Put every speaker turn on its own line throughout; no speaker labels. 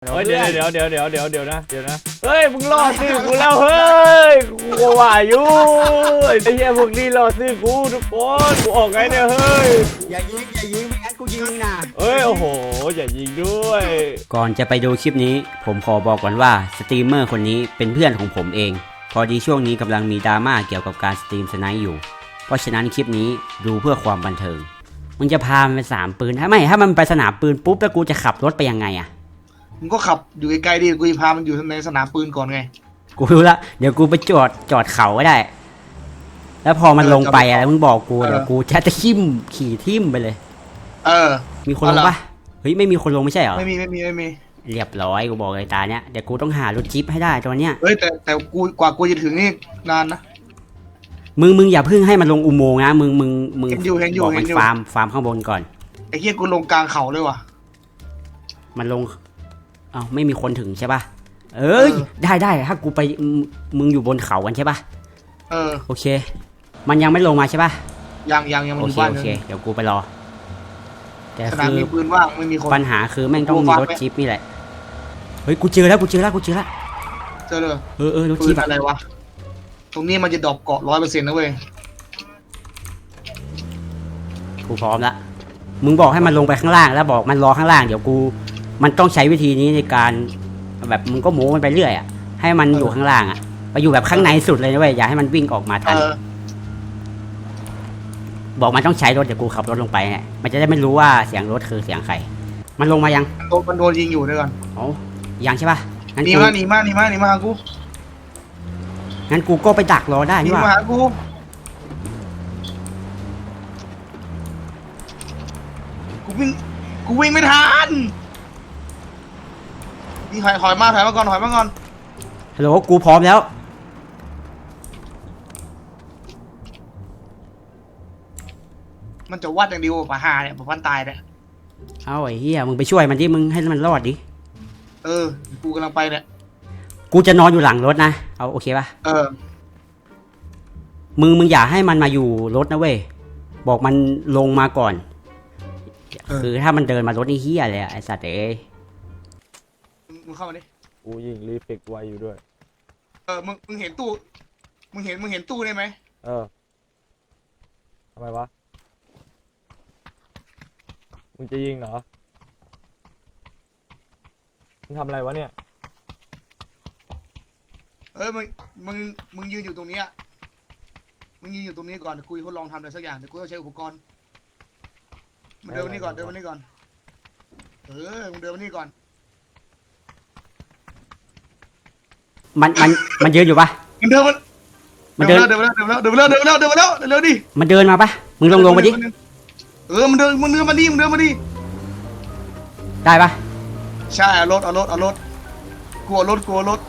เฮ้ยเดี๋ยวนะเฮ้ยมึงล่อซื้อกูแล้วเฮ้ยกูว่าอยู่ไอ้เหี้ยพวกนี้ล่อซื้อกูทุกคนกูออกไงเนี่ยเฮ้ย
อย่ายิงไม่งั้นกูยิงนะ
เฮ้ยโอ้โหอย่ายิงด้วย
ก่อนจะไปดูคลิปนี้ผมขอบอกก่อนว่าสตรีมเมอร์คนนี้เป็นเพื่อนของผมเองพอดีช่วงนี้กำลังมีดราม่าเกี่ยวกับการสตรีมสไนป์อยู่เพราะฉะนั้นคลิปนี้ดูเพื่อความบันเทิงมึงจะพามันไปสนามปืนถ้ามันไปสนามปืนปุ๊บแล้วกูจะขับรถไปยังไงอะ
มึงก็ขับอยู่ไกลๆดิกูจะพามันอยู่ในสนามปืนก่อนไง
กูรู้ละเดี๋ยวกูไปจอดเขาก็ได้แล้วพอมันลงไปอะไรมึงบอกกูเดี๋ยวกูจะขี่ทิ่มไปเลยมีคนลงปะเฮ้ยไม่มีคนลงไม่ใช่เหรอ
ไม่มี
เรียบร้อยกูบอกเลยตาเนี้ยเดี๋ยวกูต้องหารถจิ๊บให้ได้ตอนเนี้ย
เฮ้ยแต่กูกว่ากูจะถึงนี่นานนะ
มึงอย่าพึ่งให้มันลงอุโมงค์นะมึง
เห็นอยู่
บอกมันฟาร์มข้างบนก่อน
ไอ้เหี้ยกูลงกลางเขาเลยว่ะ
มันลงไม่มีคนถึงใช่ป่ะเอ้ยได้ถ้ากูไปมึงอยู่บนเขากันใช่ป่ะโอเคมันยังไม่ลงมาใช่ป่ะ
ยังมันอยู่บ้าน
โอเคเดี๋ยวกูไปรอ
แต่สนามมีปืนว่างไม่มีคน
ปัญหาคือแม่งต้องมีรถจิ๊บนี่แหละเฮ้ยกูเจอแล้ว
เจอเลย
รถจิ๊บ
อะไรวะตรงนี้มันจะดรอปเกาะ100%นะเว้ย
กูพร้อมละมึงบอกให้มันลงไปข้างล่างแล้วบอกมันรอข้างล่างเดี๋ยวมันต้องใช้วิธีนี้ในการแบบมึงก็โม้มันไปเรื่อยอ่ะให้มันอยู่ข้างล่างอ่ะไปอยู่แบบข้างในสุดเลยนะเว้ยอย่าให้มันวิ่งออกมาทันบอกมันต้องใช้รถเดี๋ยวกูขับรถลงไปเนี่ยมันจะได้ไม่รู้ว่าเสียงรถคือเสียงใครมันลงมายัง
มันโดนยิงอยู่ด้วยกัน
ยังใช่ป่ะ
หนีมาหากู
งั้นกูก็ไปดักรอได้นี่ว่า
มาหากูวิ่งไม่ทันนี่ถอยมาก่อน
ฮัลโหลกูพร้อมแล้ว
มันจะวัดอย่างเดียวป่ะหาเนี่ยป่ะพันตายเนี่ย
เอาไอ้เหี้ยมึงไปช่วยมันดิมึงให้มันรอดดิ
กูกำลังไปเนี่ย
กูจะนอนอยู่หลังรถนะเอาโอเคป่ะมึงอย่าให้มันมาอยู่รถนะเว้ยบอกมันลงมาก่อนคือถ้ามันเดินมารถนี่เหี้ยเลยไอ้สัตว์
มึงเข้ามาดิ
กูยิงรีเฟกไวอยู่ด้วย
มึงเห็นตู้มึงเห็นตู้ได้ไหม
ทำไมวะมึงจะยิงเหรอมึงทำอะไรวะเนี่ย
มึงยืนอยู่ตรงนี้มึงยืนอยู่ตรงนี้ก่อนกูทดลองทำอะไรสักอย่างเดี๋ยวกูต้องใช้อุปกรณ์มันเดินมานี่ก่อนมึงเดินมานี่ก่อน
มันยืนอยู่ปะ
มันเดินแล้วดิ
มันเดินมาปะมึงลงมาดิ
มันเดินมาดิ
ได้ปะ
ใช่เอารถกลัวรถกูเอารถ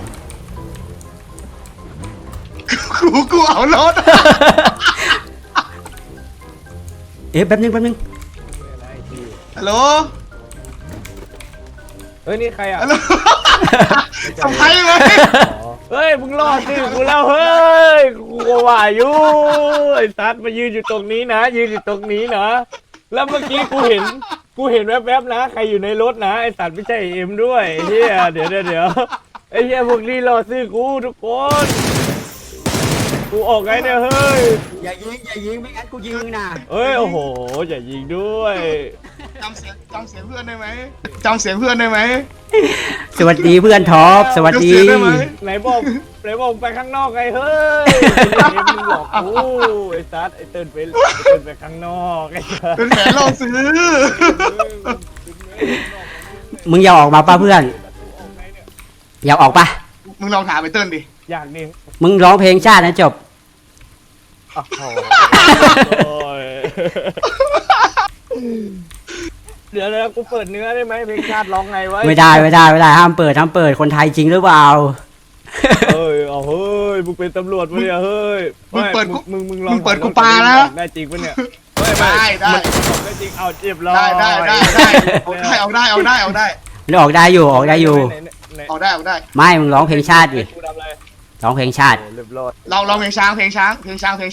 แป๊บนึง
ฮัลโหล
เฮ้ยนี่ใครอ่ะ
ทำไมไหม
เฮ้ยมึงล่อซื้อกูแล้วเฮ้ยกูว่าอยู่ไอ้สัตว์มายืนอยู่ตรงนี้นะแล้วเมื่อกี้กูเห็นแวบๆนะใครอยู่ในรถนะไอ้สัตว์ไม่ใช่เอ็มด้วยเฮียเดี๋ยวไอ้เฮียพวกนี้ล่อซื้อกูทุกคนกูออกไงเนี่ยเฮ้ย
อย่ายิงไม่งั้นกูยิงนะ
เฮ้ยโอ้โหอย่ายิงด้วย
จำเสียงเพื่อนได้ไหม
สวัสดีเพื่อนท็อปสวัสดี
ไหนบอกไปข้างนอกไงเฮ้ยมึงหลอกกูไอ้ซัดไอ้เติ้ลไปข้างนอกไอ้
เป็นแผนล่อซื้อ
มึงอยากออกมาป่ะเพื่อนอยากออกป่ะ
มึงลองถามไอ้เติ้ลดิ
อยากดิ
มึงร้องเพลงชาตินะจบ
เดี๋ยวกูเปิดเนื้อได้ไหมเพลงชาติร้องไงไว้
ไม่ได้ห้ามเปิดคนไทยจริงหรือเปล่า
เฮ้ยมึงเป็นตำรวจปะเนี่ยเฮ้ย
มึงเปิดกูปานะ
ได้จริงปะเนี่ย
ได้
จริงเอาเจ็บร้อย
ได้เอาได้
มันออกได้อยู่
ออกได้
ไม่มึงร้องเพลงชาติดิร้องเพลงชาติ
เราเพลงช้าง
เพลงช้างก็ได้เพลง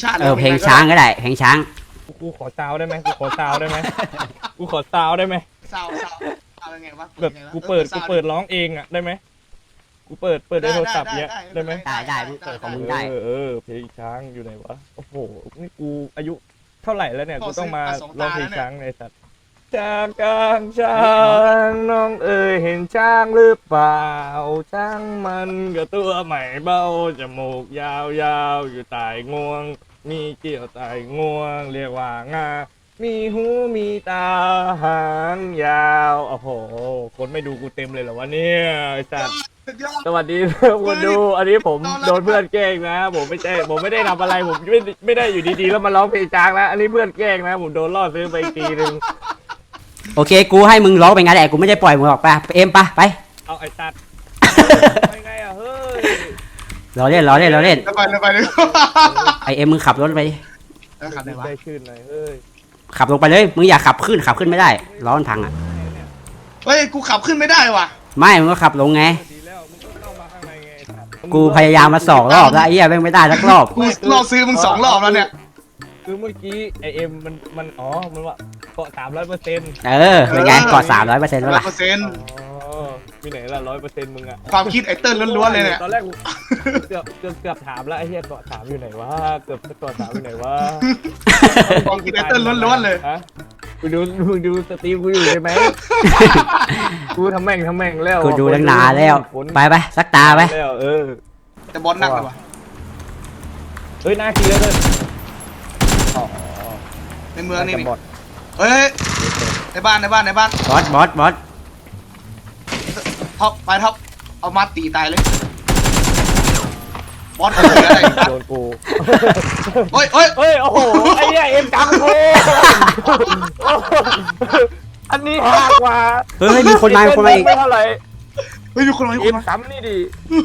ช้าง
กูขอซาวได้ไหมซาว
เป็นไงวะ
แบบกูเปิดร้องเองอ่ะได้ไหมกูเปิดในโทรศัพท์เนี้ยได้ไหม
ได้มึงเปิดของมึงได้
เพลงช้างอยู่ไหนวะโอ้โหนี่กูอายุเท่าไหร่แล้วเนี่ยกูต้องมาร้องเพลงช้างในสัตว์ช้างกลางช้างน้องเอ๋ยเห็นช้างหรือเปล่าช้างมันก็ตัวใหม่เบ้าจมูกยาวอยู่ใต้งวง มีเกี่ยวใต้งวง เรียกว่างา มีหูมีตาหางยาวโอ้โหคนไม่ดูกูเต็มเลยเหรอวะเนี่ยไอ้สัตว์
สุดยอด
สวัสดีคนดู อันนี้ผมโดนเพื่อนแกล้งนะ ผมไม่ได้ทำอะไรผมไม่ได้อยู่ดีๆแล้วมาร้องเพลงจางนะอันนี้เพื่อนแกล้งนะ ผมโดนล่อซื้อไปอีกทีนึง
โอเคกูให้มึงร้องไปงั้นแหละกูไม่ได้ปล่อยมึงออกไปเอ็มไป
เอาไอ้สัตว์ไปไงอ่ะเฮ้ย
เราเล่น
ไปเลย
ไอเอ็มมึงขับรถไปดิ
ขับไหนวะ
ได้ชื่นหน่อยเฮ้ย
ขับลงไปเลยมึงอย่าขับขึ้นไม่ได้ล้อมันพังอ่ะ
เฮ้ยกูขับขึ้นไม่ได้ว่ะ
ไม่มึงก็ขับลงไง
ดีแล้วมึงก็เข้ามาข้างในไงไอ้สัตว์
กูพยายามมา2 รอบแล้วไอ้เหี้ยแม่งไม่ได้สักรอบ
กูรอซื้อมึง2 รอบแล้วเนี่ย
คือเมื่อกี้ไอเอ็มมันอ๋อมันว่าเกาะ300%
เป็นไงกอด300%แล้วล่ะ
อ๋อมีไหนละ100%มึงอะ
ความคิดไอ้เติ้ลล้วนๆเลยเนี่ย
ตอนแรกกูเกือบถามแล้วไอ้เหี้ยเกาะ3อยู่ไหนวะเกือบเกาะ3อยู่ไหนวะ
ความคิดไอ้เติ้ลล้วนๆเลย
ฮะมึงดูสตรีมกูอยู่ใช่ไหมกูทำแม่งแล้ว
กูดูตั้งนานแล้วไปสักตาไป
แล้ว
แต่บอลหนักเลยว่ะ
เฮ้ยน่าคิดเลยอ๋อ
ในเมืองนี่
บอด
เฮ้ยในบ้าน
บอส
ท็อปไปท็อปเอามาตีตายเลยบอสเหลืออะไร
โดนกู
เฮ้ย
เฮ้ยโอ้โหไอ้เนี่ยเอ็มจังกูอันนี้หากว่า
เฮ้ยมีคนมาอีก
ไม่เท่าไหร่
เฮ้ยมีคนมา
เอ็มซ้ำนี่ดิ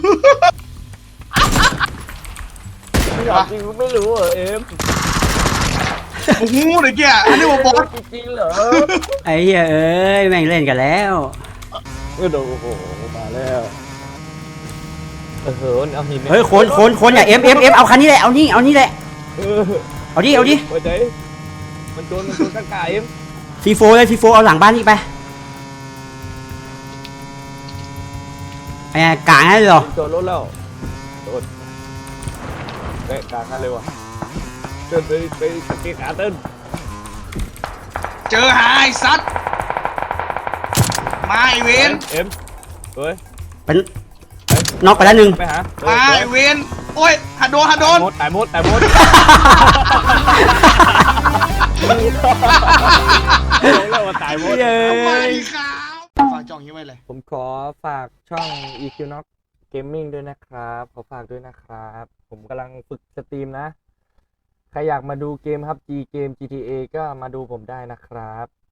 ไม่อยากจริงไม่รู้เหรอเอ็ม
โอ้โหไอ้เกี้ยอันนี้ว่าบอส
จริงเหรอ
ไอ้เหี้ยเอ้ยแม่งเล่นกันแล้ว
โดนโอ้โหมาแล้วเอาหิน
เฮ้ยคนอย่าเอ็มเอาคันนี้แหละเอานี่แหละเอาดิ
หัวใจมันโดนข้างกายเอ็ม
ซีโฟเอาหลังบ้านนี่ไปไอ้กลางให้เลยเหรอ
โดนรถแล้วโดนแบกกลางกันเลยว่ะเดินไปสเก็ตขาเต้น
เจอหายซัดมาไอเวน
เอ็มเฮ้ย
เป็นน็อกไปแล้วหนึ่ง
ไปหา
มาไอเวนโอ้ยหัดโดน
ตายหมดแล้วว่าตายหมด
ทำไมครับฝากจองยังไงเลย
ผมขอฝากช่อง Equinox Gaming ด้วยนะครับ ขอฝากด้วยนะครับ ผมกำลังฝึกสตรีมนะ ใครอยากมาดูเกมครับ เกม GTA ก็มาดูผมได้นะครับ